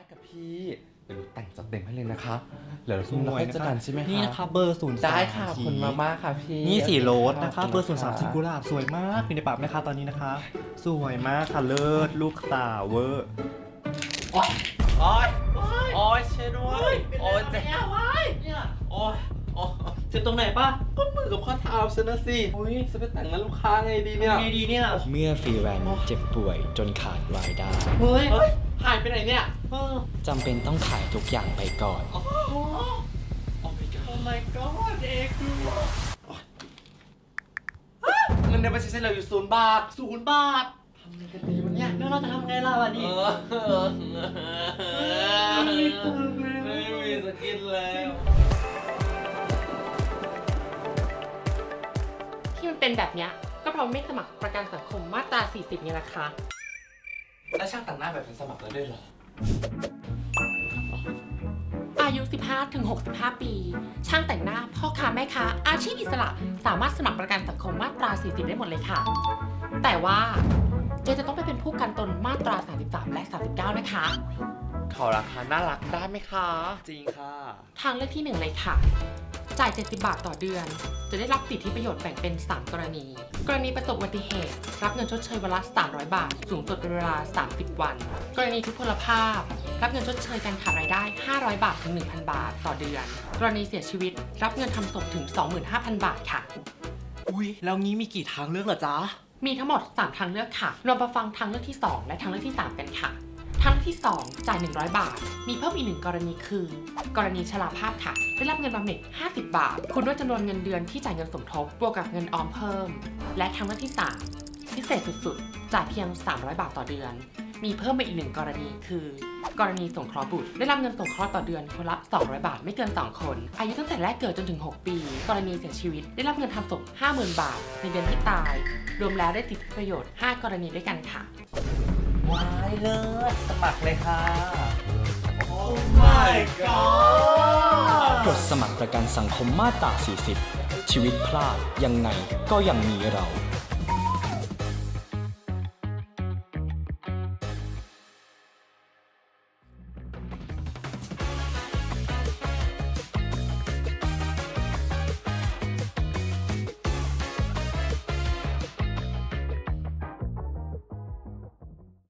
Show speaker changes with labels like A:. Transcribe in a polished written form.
A: กับพี่เดี๋ยวแต่งจัดเต็มให้เลยนะคะเดี๋ยวเราค่อยเจอกันใช่ไหมคะ
B: นี่นะคะเบอร์0 3
A: ได้ค่ะขอบคุณมากๆค่ะพี่
B: นี่สีโรสนะคะ
A: ข
B: เบอร์0 3สีกุหลาบสวยมากมีในปากไหมคะตอนนี้นะคะ สวยมากค่ะเลิศลูกตาเวอร์
A: โอ๊ยโอ๊ยโอ๊ยช่วยด้วยโอ๊ยเจ็บโอ๊ยโอ๊ย
B: เจ็บตรงไหนป่ะ
A: ก็มือกับข้อเท้าฉันนะสิอุ้ยจะไปแต่งงานลูกค้าไงดีเนี่ย
B: ไงดีเนี่ย
C: เมื่อฟรีแลนซ์เจ็บป่วยจนขาดรายได้
B: เฮ้ย
A: เฮ้ยหายไปไหนเนี่ย
C: จำเป็นต้องขายทุกอย่างไปก่อน
A: โอ้ my god
B: โอ้ my god เอกดู
A: เงินในบัญชีฉันเหลืออยู่0 บาท
B: 0 บาท
A: ทำไงกันดีวะเนี่ย
B: แล้วเราจะทำไงล่ะวันนี้
A: ไม่มีสกินแล้ว
D: ที่มันเป็นแบบเนี้ยก็เพราะไม่สมัครประกันสังคมมาตรา 40ไงล่ะคะ
A: แล้วช่างแต่งหน้าแบบเป็นสมัครแล้วด้วยเหรอ
D: อายุ 15-65 ปี ช่างแต่งหน้าพ่อค้าแม่ค้าอาชีพอิสระสามารถสมัครประกันสังคมมาตรา 40 ได้หมดเลยค่ะ แต่ว่าเจจะต้องไปเป็นผู้กันตนมาตรา 33 และ 39 นะคะ
A: ขอราคาน่ารักได้ไหมคะ
B: จริงค่ะ
D: ทางเลือกที่ 1 เลยค่ะ จ่าย 70 บาทต่อเดือน จะได้รับสิทธิประโยชน์แบ่งเป็น 3 กรณี กรณีประสบอุบัติเหตุ รับเงินชดเชยวันละ 300 บาท สูงสุดเป็นเวลา 30 วัน กรณีทุพพลภาพ รับเงินชดเชยการขาดรายได้ 500 บาทถึง 1,000 บาทต่อเดือน กรณีเสียชีวิต รับเงินทำศพถึง 25,000 บาทค่ะ
B: อุ้ยแล้วงี้มีกี่ทางเลือกเหรอจ๊ะ
D: มีทั้งหมด 3 ทางเลือกค่ะ เรามาฟังทางเลือกที่ 2 และทางเลือกที่ 3 กันค่ะ ทางเลือกที่ 2 จ่าย 100 บาท มีเพิ่มอีก 1 กรณีคือ กรณีชราภาพค่ะ ได้รับเงินบำเหน็จ 50 บาท คุณด้วยจำนวนเงินเดือนที่จ่ายเงินสมทบ บวกกับเงินออมเพิ่ม และทางเลือกที่ 3 พิเศษสุดๆ จ่ายเพียง 300 บาทต่อเดือน มีเพิ่มมาอีก 1 กรณีคือ กรณีสงเคราะห์บุตร ได้รับเงินสงเคราะห์ต่อเดือนคนละ 200 บาทไม่เกิน 2 คน อายุตั้งแต่แรกเกิดจนถึง 6 ปี กรณีเสียชีวิต ได้รับเงินทำศพ 50,000 บาท ในเดือนที่ตาย รวมแล้วได้สิทธิประโยชน์ 5 กรณีด้วยกันค่ะ
B: ว้ายเลิศสมัครเลยค่ะ
A: โอ้ my god
C: กดสมัครประกันสังคมมาตรา 40 ชีวิตพลาดยังไงก็ยังมีเรา